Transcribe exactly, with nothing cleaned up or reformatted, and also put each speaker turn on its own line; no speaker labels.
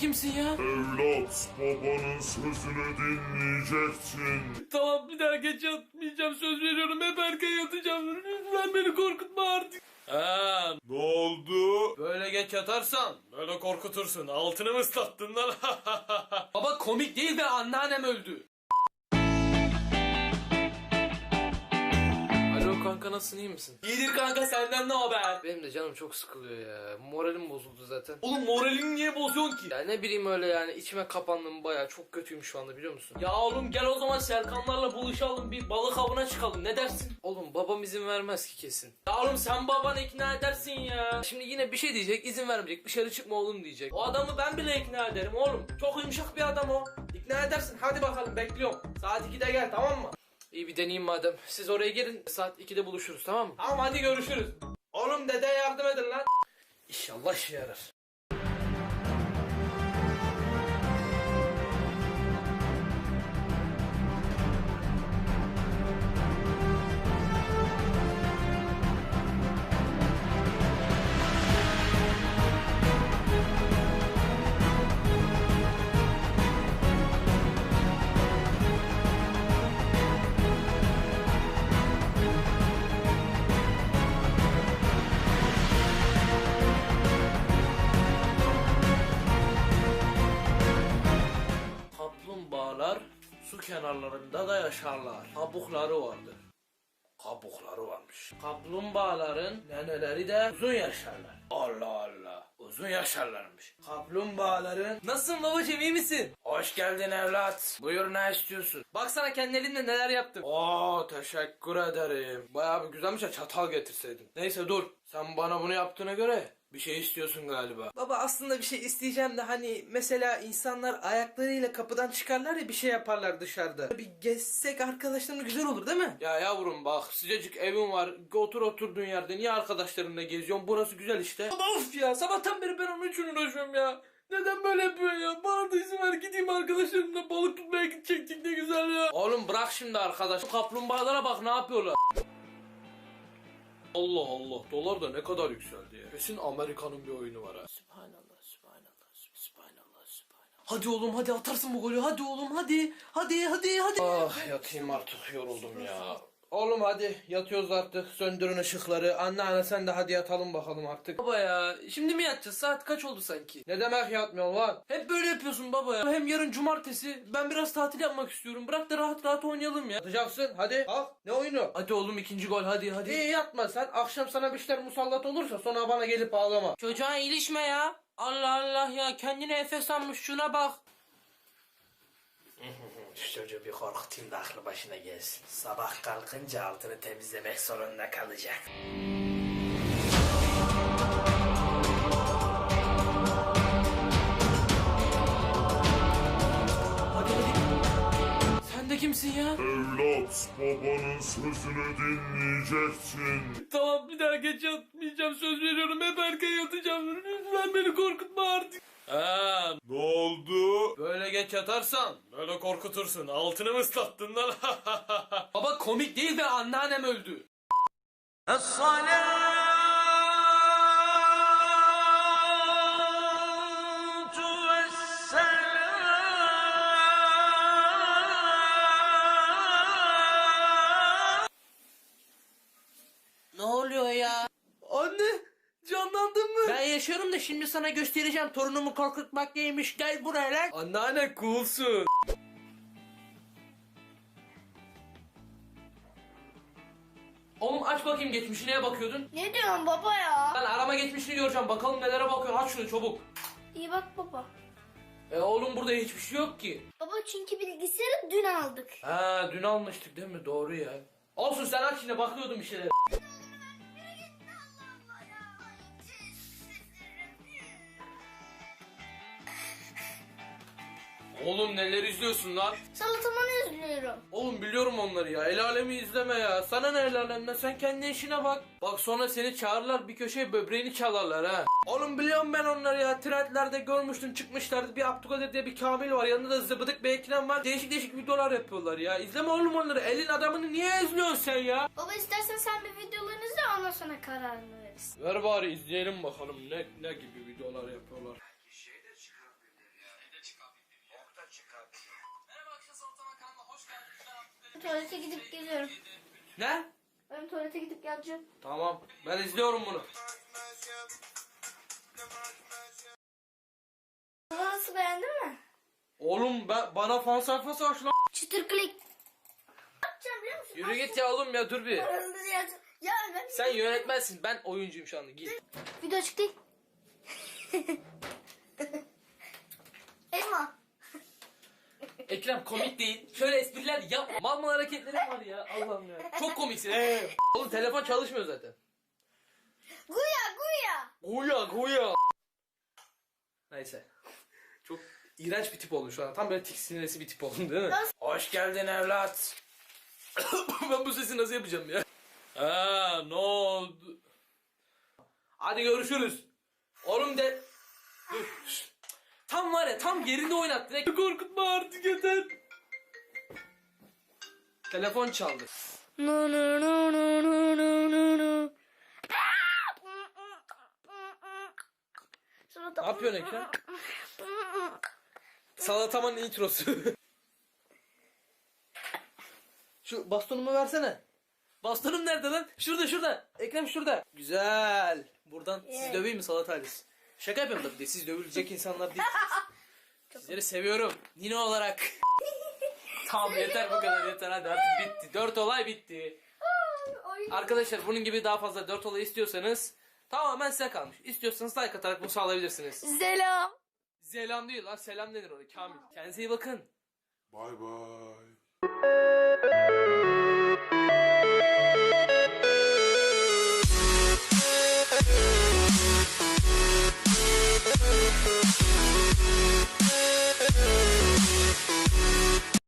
kimsin ya?
Evlat, babanın sözünü dinleyeceksin.
Tamam, bir daha geç yatmayacağım, söz veriyorum, hep erken yatacağım. Lütfen beni korkutma artık. Ha,
Ne oldu?
böyle geç yatarsan böyle korkutursun. Altını mı ıslattın lan? Baba komik değil ve anneannem öldü. Alo kanka, nasılsın, iyi misin? İyidir kanka, senden ne haber? Benim de canım çok sıkılıyor ya. Moralim bozuldu zaten. Oğlum moralini niye bozuyorsun ki? Ya ne bileyim öyle yani, içime kapandım baya, çok kötüyüm şu anda, biliyor musun? Ya oğlum gel o zaman Serkanlarla buluşalım, bir balık avına çıkalım, ne dersin? Oğlum babam izin vermez ki kesin. Ya oğlum sen babanı ikna edersin ya. Şimdi yine bir şey diyecek, izin vermeyecek, dışarı çıkma oğlum diyecek. O adamı ben bile ikna ederim oğlum. Çok yumuşak bir adam o. İkna edersin, hadi bakalım, bekliyorum. Saat ikide gel, tamam mı? İyi, bir deneyeyim madem. Siz oraya girin, saat ikide buluşuruz, tamam mı? Tamam, hadi görüşürüz. Oğlum dede yardım edin lan. İnşallah işe yarar. Kaplumbağalar su kenarlarında da yaşarlar. Kabukları vardır. Kabukları varmış. Kaplumbağaların neneleri de uzun yaşarlar. Allah Allah. Uzun yaşarlarmış. Kaplumbağaların... Nasılsın babacığım, iyi misin? Hoş geldin evlat. Buyur, ne istiyorsun? Baksana kendi elimle neler yaptım. Oo, teşekkür ederim. Bayağı bir güzelmiş ya, çatal getirseydin. Neyse dur. Sen bana bunu yaptığına göre bir şey istiyorsun galiba. Baba aslında bir şey isteyeceğim de hani mesela insanlar ayaklarıyla kapıdan çıkarlar ya, bir şey yaparlar dışarıda. Bir gezsek arkadaşlarımla güzel olur değil mi? Ya yavrum bak, sıcacık evin var. Otur oturduğun yerde niye arkadaşlarınla geziyorsun? Burası güzel işte. Of ya, sabahtan beri ben onun için uğraşıyorum ya. Neden böyle yapıyor ya? Bana da izin ver, gideyim arkadaşlarımla balık tutmaya gidecektik, ne güzel ya. Oğlum bırak şimdi arkadaş. Kaplumbağalara bak ne yapıyorlar. Allah Allah, dolar da ne kadar yükseldi ya. Kesin Amerika'nın bir oyunu var ha. Sübhanallah, sübhanallah, sübhanallah, sübhanallah. Hadi oğlum, hadi atarsın bu golü, hadi oğlum, hadi. Hadi, hadi, hadi. Ah, yatayım artık, yoruldum ya. Oğlum hadi yatıyoruz artık, söndürün ışıkları. Anneanne sen de hadi yatalım bakalım artık. Baba ya, şimdi mi yatacağız? Saat kaç oldu sanki? Ne demek yatmıyorsun lan? Hep böyle yapıyorsun baba ya. Hem yarın cumartesi, ben biraz tatil yapmak istiyorum. Bırak da rahat rahat oynayalım ya. Yatacaksın, hadi kalk. Ne oyunu? Hadi oğlum, ikinci gol, hadi hadi. İyi, yatma sen. Akşam sana bir şeyler musallat olursa sonra bana gelip ağlama. Çocuğa ilişme ya. Allah Allah ya, kendine Efes almış, şuna bak. Şu çocuğu bir korkutayım da aklı başına gelsin. Sabah kalkınca altını temizlemek zorunda kalacak. Hadi hadi. Sen de kimsin ya?
Evlat, babanın sözünü dinleyeceksin.
Tamam, bir daha geç yatmayacağım, söz veriyorum, hep erken yatacağım. Lütfen beni korkutma artık. Ha,
Ne oldu?
böyle geç yatarsan böyle korkutursun. Altını mı ıslattın lan? Baba komik değil ve anneannem öldü. Ne oluyor ya? Anne, canlandın mı? Ben yaşıyorum da şimdi sana göstereceğim, torunumu korkutmak neymiş, gel buraya lan. Anneanne coolsun. Oğlum aç bakayım, geçmişi neye bakıyordun?
Ne diyorsun baba ya?
Ben arama geçmişini göreceğim, bakalım nelere bakıyorsun, aç şunu çabuk.
İyi bak baba.
E oğlum burada hiçbir şey yok ki.
Baba çünkü bilgisayarı dün aldık.
Ha, dün almıştık değil mi, doğru ya. Olsun, sen aç yine, bakıyordum bir şeylere. Oğlum neler izliyorsun lan?
Salatamanı üzülüyorum.
Oğlum biliyorum onları ya. El alemi izleme ya. Sana ne el alemden? Sen kendi işine bak. Bak sonra seni çağırırlar, bir köşeye böbreğini çalarlar ha. Oğlum biliyorum ben onları ya. Trendlerde görmüştüm, çıkmışlardı. Bir Abdülkadir diye bir Kamil var. Yanında da zıbıdık bir Ekrem var. Değişik değişik videolar yapıyorlar ya. İzleme oğlum onları. Elin adamını niye izliyorsun sen ya?
Baba istersen sen bir videolarını izle, ondan sonra kararını verirsin.
Ver bari izleyelim bakalım ne ne gibi videolar yapıyorlar.
tuvalete gidip geliyorum.
Ne?
Ben tuvalete gidip geleceğim.
Tamam. Ben izliyorum bunu.
Baba nasıl, beğendin mi?
Oğlum ben, bana fan sayfası aç lan.
Çıtır klik. Ne yapacağım biliyor musun?
Yürü git ya oğlum ya, dur bir.
Ya ben
Sen yönetmensin, ben oyuncuyum şu anda, git.
video açık değil. Elma.
Ekrem komik değil. Şöyle espriler yapma. Mal mal hareketlerin var ya, Allah'ım ya. Çok komiksin. Ee. Oğlum telefon çalışmıyor zaten.
Guya guya.
Guya guya. Neyse. Çok iğrenç bir tip oldun şu an. Tam böyle tiksiniresi bir tip oldun değil mi? Hoş geldin evlat. Ben bu sesi nasıl yapacağım ya? Aa, ne oldu? Hadi görüşürüz. Oğlum de... Dur. şşt. Tam var ya, tam yerinde oynattın. Ne korkutma artık, yeter. Telefon çaldı.
No no no no no no no no.
Ne yapıyorsun Ekrem? Salatamanın introsu. Şu bastonumu versene. Bastonum nerede lan? Şurada şurada. Ekrem şurada. Güzel. Buradan sizi döveyim mi Salat ailesi? Şaka yapıyorum tabii de, siz dövülecek insanlar değil. Sizleri seviyorum. Nino olarak. Tamam yeter, bu kadar yeter, hadi artık bitti. Dört olay bitti. Arkadaşlar bunun gibi daha fazla dört olay istiyorsanız tamamen size kalmış. İstiyorsanız like atarak bunu sağlayabilirsiniz.
Selam.
Selam değil lan, selam denir oraya Kamil. Kendinize iyi bakın.
Bay bay.